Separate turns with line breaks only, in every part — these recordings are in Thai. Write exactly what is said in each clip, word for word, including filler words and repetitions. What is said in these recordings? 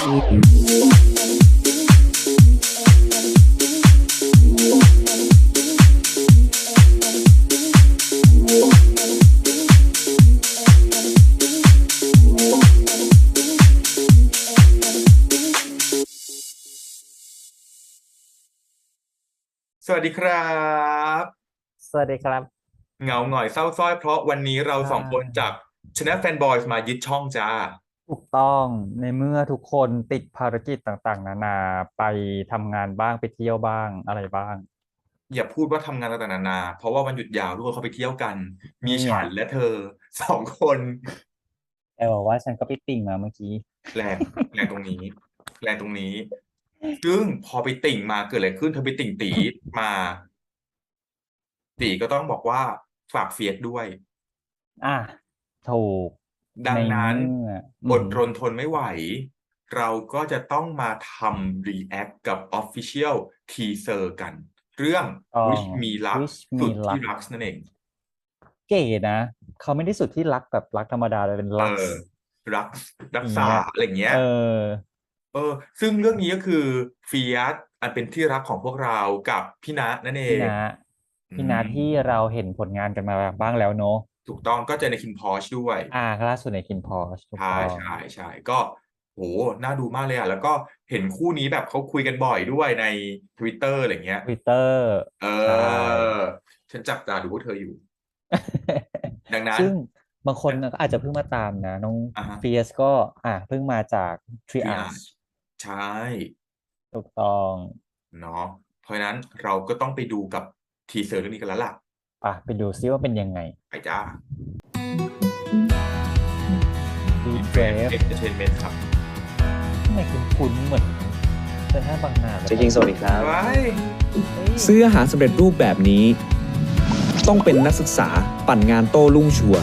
สวัสดีครับ
สวัสดีครับ
เหงาหงอยเศร้าสร้อยเพราะวันนี้เรา
อ่
สองคนจาก
า
Channel Fanboys มายึดช่องจ้า
ถูกต้องในเมื่อทุกคนติดภารกิจต่างๆนานาไปทำงานบ้างไปเที่ยวบ้างอะไรบ้าง
อย่าพูดว่าทำงานต่างๆนานาเพราะว่าวันหยุดยาวทุกคนเขาไปเที่ยวกัน มี
นี่
ฉั
อ่ะ
นและเธอสองคน
แต่บอกว่าฉันก็ไปติ่งมาเมื่อกี้
แรงแรงตรงนี้แรงตรงนี้ ซึ่งพอไปติ่งมาเกิดอะไรขึ้นเธอไปติ่งตีมาตีก็ต้องบอกว่าฝากเฟียสด้วย
อ่ะถูกใน
ดังนั้น
เมื่ออื
อด
ม
รนทนไม่ไหว เราก็จะต้องมาทำ react กับ Official Teaser กัน เรื่อง
ต้อง
Wish Me Luck
Wish
สุ
Me
ดที่
Luck
รักนั่นเอง
เก๋นะเขาไม่ได้สุดที่รักแบบรักธรรมดาเลยเป็น
เอ
ลัก
อ รักรักษา
อย่างเงี้ย
อะไรอย่างเงี้ย
เออ
เออซึ่งเรื่องนี้ก็คือเฟียสอันเป็นที่รักของพวกเรากับพี่ณะนั่นเอง
พี่นา
อื
พี่นาที่
ม
เราเห็นผลงานกันมาบ้างแล้วเนอะ
ถูกต้องก็เจอในคินพอชด้วย
อ่าล่าสุดในคินพอชถูก
ใช่
ต้อง
ใช่ใช่ก็โหน่าดูมากเลยอ่ะแล้วก็เห็นคู่นี้แบบเขาคุยกันบ่อยด้วยใน Twitter อะไรเงี้ย
ทวิตเตอร์
เอ
ใช่
อฉันจับตาดูพวกเธออยู่ดังนั้น
ซึ่งบางคนก็อาจจะเพิ่งมาตามนะน้อง
อ่ะฮะ
เฟียสก็อ่ะเพิ่งมาจาก
ทรีอา
Triage
ร์ใช่
ถูกต้อง
เนาะเพราะฉะนั้นเราก็ต้องไปดูกับทีเซอร์เรื่องนี้กันแล้วล่ะ
อ่ะไปดูซิว่าเป็นยังไง
ไปจ้า
Deep
เฟรน
Wave
เอ็นเตอร์เทนเมนต์ครับ
ทำไมคุ้นๆเหมือนเซนทรัลบางนาเลย
เจ๊คิงสวัสดีครับ
ไว้
เฮ้ย
ซื้ออาหารสำเร็จรูปแบบนี้ ต้องเป็นนักศึกษาปั่นงานโต้รุ่งชัวร์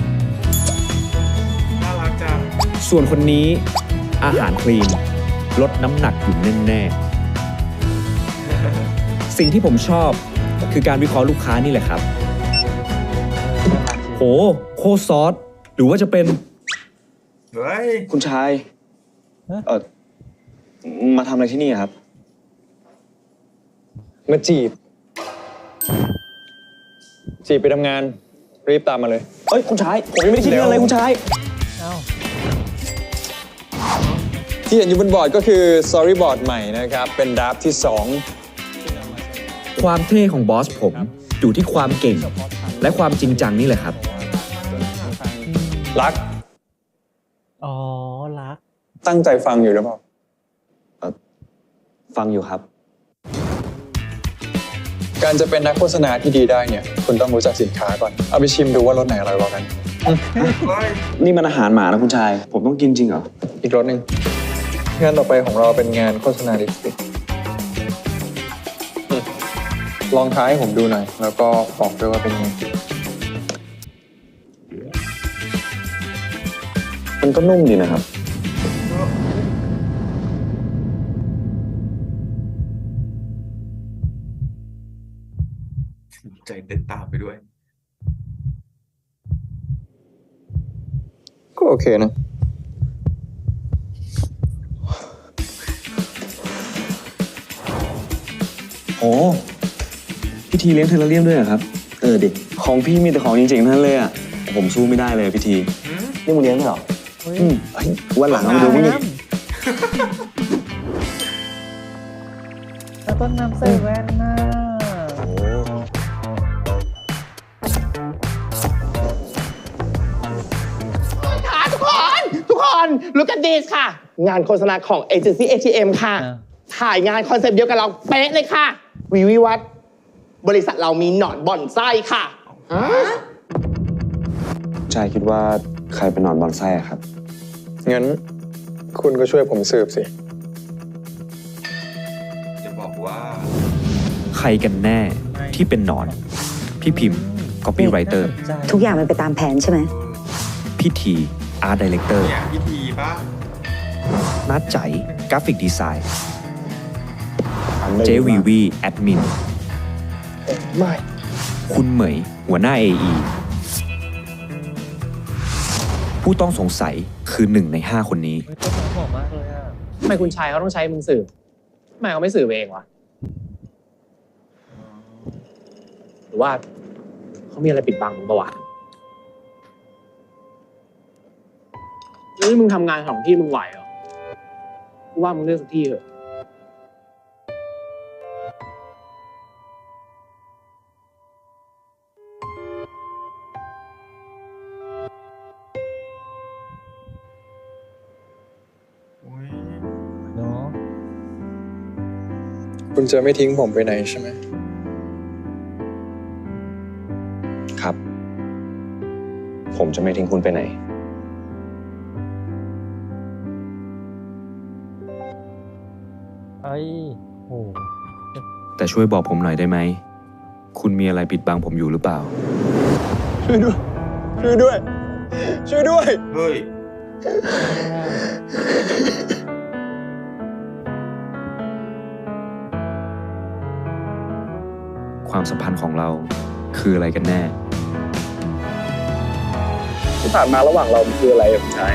น่ารักจัง
ส่วนคนนี้อาหารคลีนลดน้ำหนักอยู่แน่ๆ สิ่งที่ผมชอบคือการวิเคราะห์ลูกค้านี่แหละครับ โหโคตรซอส หรือว่าจะเป็น
เฮ้ย
คุณชาย เออมาทำอะไรที่นี่ครับ
มาจีบ จีบไปทำงาน รีบตามมาเลย
เอ้ย คุณชาย ผมยังไม่ได้คิดเรื่องเลยคุณชาย
เอ้า
ที่เห็นอยู่บนบอร์ดก็คือ storyboard ใหม่นะครับ เป็นดราฟที่สอง
ความเท่ของบอสผมอยู่ที่ความเก่ง และความจริงจังนี่แหละครับ
รัก
อ๋อรัก
ตั้งใจฟังอยู่หรือเปล่า
ฟังอยู่ครับ
การจะเป็นนักโฆษณาที่ดีได้เนี่ย คุณต้องรู้จักสินค้าก่อน เอาไปชิมดูว่ารสไหนอร่อยกว่ากัน
เฮ้ย
นี่มันอาหารหมานะคุณชาย ผมต้องกินจริงเหรอ
อีกรสหนึ่งงานต่อไปของเราเป็นงานโฆษณาลิปสติกอืมลองท้ายให้ผมดูหน่อย แล้วก็บอกด้วยว่าเป็นไง
มันก็นุ่มดีนะครับ
ใจเต้นตามไปด้วย
ก็โอเคนะ
โอ้พิธีเลี้ยงเทเลเรียมด้วยเหรอครับ เออดิของพี่มีแต่ของจริงๆทั้งนั้นเลยอ่ะ ผมสู้ไม่ได้เลยพิธี
หืม
นี่มึงเลี้ยงด้วยเหรอ
เฮ้ย
อืมเฮ้ยวันหลังเอามาดูมึงดิ
แล้วต้นน้ำใส่แว่นน่ะ
ค่ะทุกคนทุกคน look at this ค่ะ งานโฆษณาของเอเจนซี่ เอ ที เอ็ม ค่ะ
อ่ะ
ถ่ายงานคอนเซปต์เดียวกับเราเป๊ะเลยค่ะ วิวิวัฒน์บริษัทเรามีหนอนบ่อนไส้ค่ะ
ชายคิดว่าใครเป็นหนอนบอนไส้อะครับ
งั้นคุณก็ช่วยผมสืบสิ
จะบอกว่า
ใครกันแน่ที่เป็นหนอน พี่พิมพ์ copywriter
น่าสนใจ
ทุกอย่างมันไปตามแผนใช่ไหม
พี่ที art director
เนี่ยพิธีป่ะ
นัดใจกราฟิกดีไซน์ เจวีวีแอดมิน
ไม่
คุณเหมย หัวหน้า เอ อี ผู้ต้องสงสัยคือหนึ่งในห้าคนนี้
เฮ้ยต้นน้ำหอมมากเลยอ่ะ
ทำไมคุณชายเขาต้องใช้มึงสืบทำไมเขาไม่สืบเองวะหรือว่าเขามีอะไรปิดบังมึงปะวะแล้วนี่มึงทำงานสองที่มึงไหวเหรอกูว่ามึงเลือกสักที่เถอะ
อุ๊ย
เนาะ
คุณจะไม่ทิ้งผมไปไหนใช่ไหม
ครับ ผมจะไม่ทิ้งคุณไปไหน
ไอ้โห
แต่ช่วยบอกผมหน่อยได้ไหม คุณมีอะไรปิดบังผมอยู่หรือเปล่า
ช่วยด้วย ช่วยด้วย ช่วยด้วย
เฮ้ย
ความสัมพันธ์ของเราคืออะไรกันแน่
ที่ผ่านมาระหว่างเรามันคืออะไรอะคุณชาย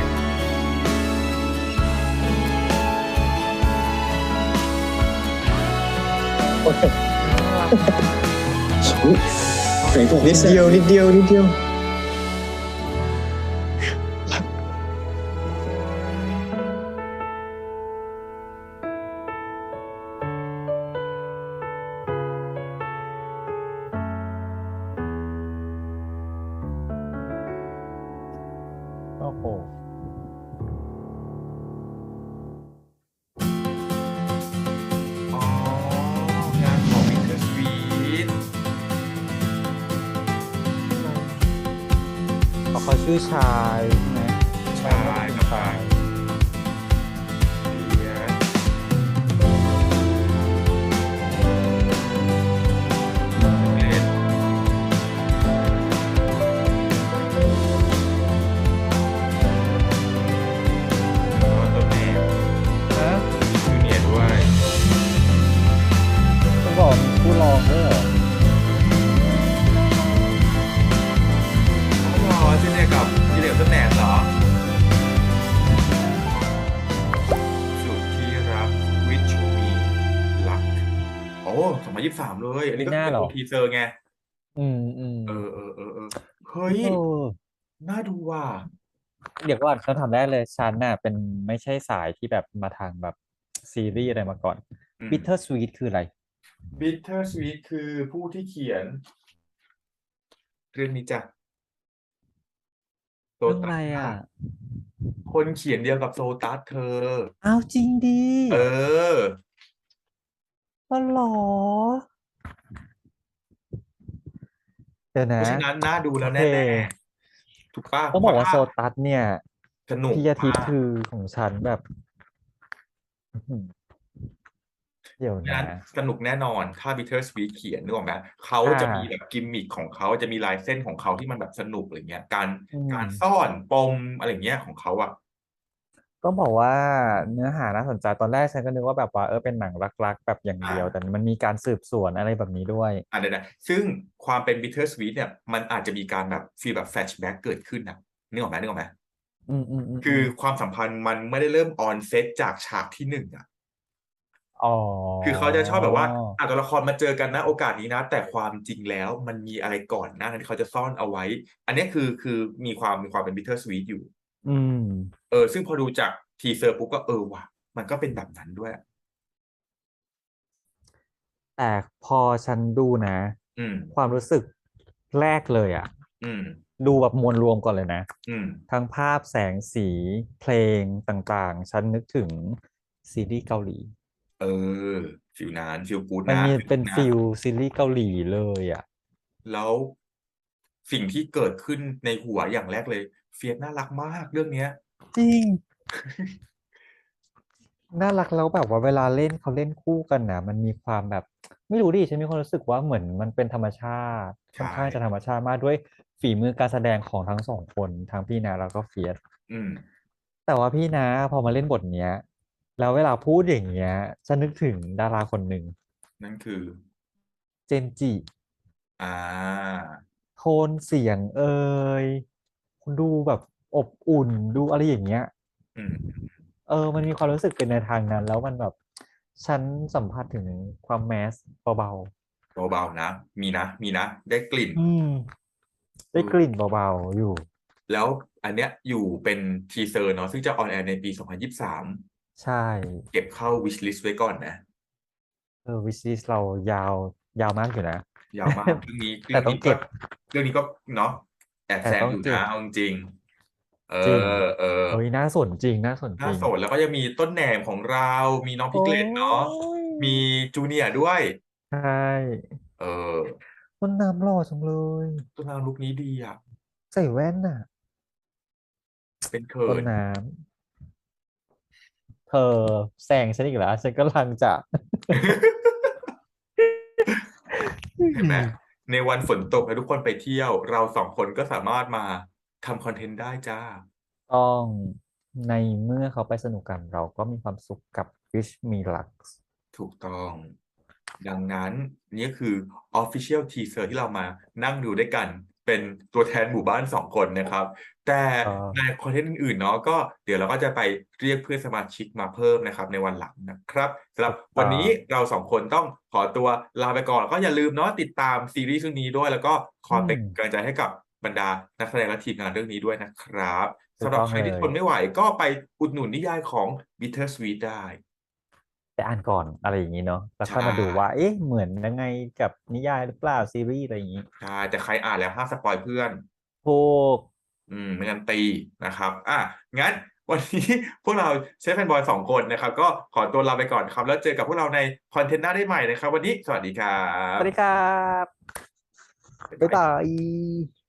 ไหนบอกนิดเดียวนิดเดียวนิดเดียว
โอ้โห
อ๋อ งานของ Winter Sweet
เพราะเขาชื่อชายใช่ไหม
ชายกับชายเดียเล่นแล้วก็ตัวแม่
ฮะ
จูเนียร์ด้วย
ต้องบอกมีผู้รองด้วยเหรอ
อ๋อจูเนียร์กับจูเนียร์ต้นแหนเหรอ สุดที่รัก Wish Me Luck โอ้สองพันยี่สิบสามเลย อันนี้ก็
ปีหน้า
เป็น
เหรอ
ตัวทีเซอร์ไง
อืมอืม
เออเออเออเออเฮ้ย
เออ
น่าดูว่ะ
เดี๋ยวก่อนคำถามแรกเลยฉันน่ะเป็นไม่ใช่สายที่แบบมาทางแบบซีรีส์อะไรมาก่อน
อืม
Bitter Sweet คืออะไร
Bitter Sweet คือผู้ที่เขียน เรื่องนี้จ้ะโซ
เรื่อง
ตั
อะไร
ส
อ่ะ
ค่ะคนเขียนเดียวกับโซตัสเธอ
อ้าวจริงดิ
เออ
อ๋อเหรอ เดี๋ยว
เพ
นะ
ราะฉะนั้นน่าดูแล้ว
โอเค
แน่ๆ ถูกป่ะ
ต้อง
เพ
บอก
ราะ
ว่า
ถ้า
โซตัสเนี่ย
สนุก
พี่อาทิตย์
มาก
คือของฉันแบบอื้อหือเดี๋ยว
ฉะ
นะ
นั้นสนุกแน่นอน ถ้า Bitter Sweet เขียนนึกออกไหมเขา
อ่า
จะมีแบบกิมมิคของเขาจะมีลายเส้นของเขาที่มันแบบสนุกอะไรเงี้ย การ
อื
การ
ม
ซ่อนปมอะไรเงี้ยของเขาอะ
ต้องบอกว่าเนื้อหาน่าสนใจตอนแรกฉันก็นึกว่าแบบว่าเออเป็นหนังรักๆแบบอย่าง
อ่า
เดียว แต่มันมีการสืบสวนอะไรแบบนี้ด้วย
อ่ะเดี๋ยวนะซึ่งความเป็น Bitter Sweet เนี่ย มันอาจจะมีการแบบฟีลแบบแฟลชแบ็กเกิดขึ้นนะนึกออกไหมนึกออกไหม
อืมอืมอืม
คือความสัมพันธ์มันไม่ได้เริ่มออนเซตจากฉากที่หนึ่งอะ
อ๋อ
คือเขาจะชอบแบบว่าอ่ะตัวละครมาเจอกันนะโอกาสนี้นะ แต่ความจริงแล้วมันมีอะไรก่อนหน้านั้นที่เขาจะซ่อนเอาไว้ อันเนี้ยคือคือมีความมีความเป็น Bitter Sweet อยู่
อืม
เออซึ่งพอดูจากทีเซอร์ปุ๊บก็เออว่ะมันก็เป็นแบบนั้นด้วย
แต่พอฉันดูนะ
อืม
ความรู้สึกแรกเลยอ่ะ
อืม
ดูแบบมวลรวมก่อนเลยนะ
อืม
ทั้งภาพแสงสีเพลงต่างๆ ฉันนึกถึงซีรีส์เกาหลี
เออฟิลนั้นฟิลกูด
มัน
นะ
มี
ฟิล
เป็น
นะ
ฟิลซีรีส์เกาหลีเลยอ่ะ
แล้วสิ่งที่เกิดขึ้นในหัวอย่างแรกเลย เฟียสน่ารักมากเรื่องเนี้ย
จริง น่ารักแล้วแบบว่าเวลาเล่นเขาเล่นคู่กันนะมันมีความแบบ ไม่รู้ดิฉันมีความรู้สึกว่าเหมือนมันเป็นธรรมชาติค่อนข้าง
ใช่
จะธรรมชาติมากด้วยฝีมือการแสดงของทั้งสองคนทั้งพี่นาแล้วก็เฟียส
อืม
แต่ว่าพี่นาพอมาเล่นบทเนี้ย แล้วเวลาพูดอย่างเงี้ยฉันนึกถึงดาราคนหนึ่ง
นั่นคือ
เจนจิ
อ่า
โทนเสียงเอ่ยดูแบบอบอุ่นดูอะไรอย่างเงี้ย
อืม
เออ มันมีความรู้สึกเป็นในทางนั้น แล้วมันแบบ ฉันสัมผัสถึงความแมสเบา
เบาๆนะ มีนะ มีนะ ได้กลิ่น
ๆ อืม ได้กลิ่นเบาๆ อยู่
แล้วอันเนี้ยอยู่เป็นทีเซอร์เนาะซึ่งจะออนแอร์ในปี สองพันยี่สิบสาม
ใช่
เก็บเข้า wish list ไว้ก่อนนะ
เออวิชลิสเรายาว ยาวมากอยู่นะ
ยาวมากเรื่องนี้
แต่
เรื่อง
ต้อง
นี้
เก็
ก็
บ
เรื่องนี้ก็เนาะแอบ
แต่
แซง
ต้อง
อยู่
เก็
นะ
บ
เอาจริงๆเอ
จริง
อ เออ
เฮ้ย น่าสนจริง น่าสนจ
น่า
ริง
สน แล้วก็ยังมีต้นแหนมของเรา มีน้องพิ
โอ้
กเลตเนาะ มี
ย
จูเนียร์ด้วย
ใช่
เออ
ต้นน้ำหล่อจังเลย
ต้นน้ำลุคนี้ดีอะ
ใส่แว่นน่ะ
เป็นเขิ
ต้น
น
น้ำ เธอแซงฉันอีกแล้ว ฉันกำลังจะ
เห็นไหม ในวันฝนตกแล้วทุกคนไปเที่ยว เราสองคนก็สามารถมาทำคอนเทนต์ได้จ้า
ต้องในเมื่อเขาไปสนุกกัน เราก็มีความสุขกับ Wish Me Luck
ถูกต้อง ดังนั้นนี่คือ Official Teaser ที่เรามานั่งดูด้วยกัน เป็นตัวแทนหมู่บ้านสองคนนะครับ แต่
เออ
ในคอนเทนต์อื่นๆเนาะก็เดี๋ยวเราก็จะไปเรียกเพื่อนสมาชิกมาเพิ่มนะครับในวันหลังนะครับสำหรับวันนี้เราสองคนต้องขอตัวลาไปก่อนแล้วก็อย่าลืมเนาะติดตามซีรีส์เรื่องนี้ด้วย แล้วก็คอยเป็น
อืม
กำลังใจให้กับบรรดานักแสดงและทีมงานเรื่องนี้ด้วยนะครับ
ถู
สำ
ก
หรับ
ต้อง
ใคร
เล
ที่ท
ย
นไม่ไหวก็ไปอุดหนุนนิยายของ Bittersweet ได้
ไปอ่านก่อนอะไรอย่างนี้เนาะ แล้ว
ใช
ค่อยมาดูว่า
่
เอ๊ะ เหมือนยังไงกับนิยายหรือเปล่า ซีรีส์อะไรอย่างนี้
ใช่ แต่ใครอ่านแล้วห้ามสปอยล์เพื่อน
ถูก
อืม ไม่งั้นตีนะครับ อ่ะ งั้นวันนี้ พวกเราเชฟแอนด์บอยสองคนนะครับ ก็ขอตัวลาไปก่อนครับ แล้วเจอกับพวกเราในคอนเทนต์หน้าได้ใหม่นะครับ วันนี้สวัสดีครั
สวัสดี
บ
ครับ
บ๊าย
บ๊าย
บาย
บาย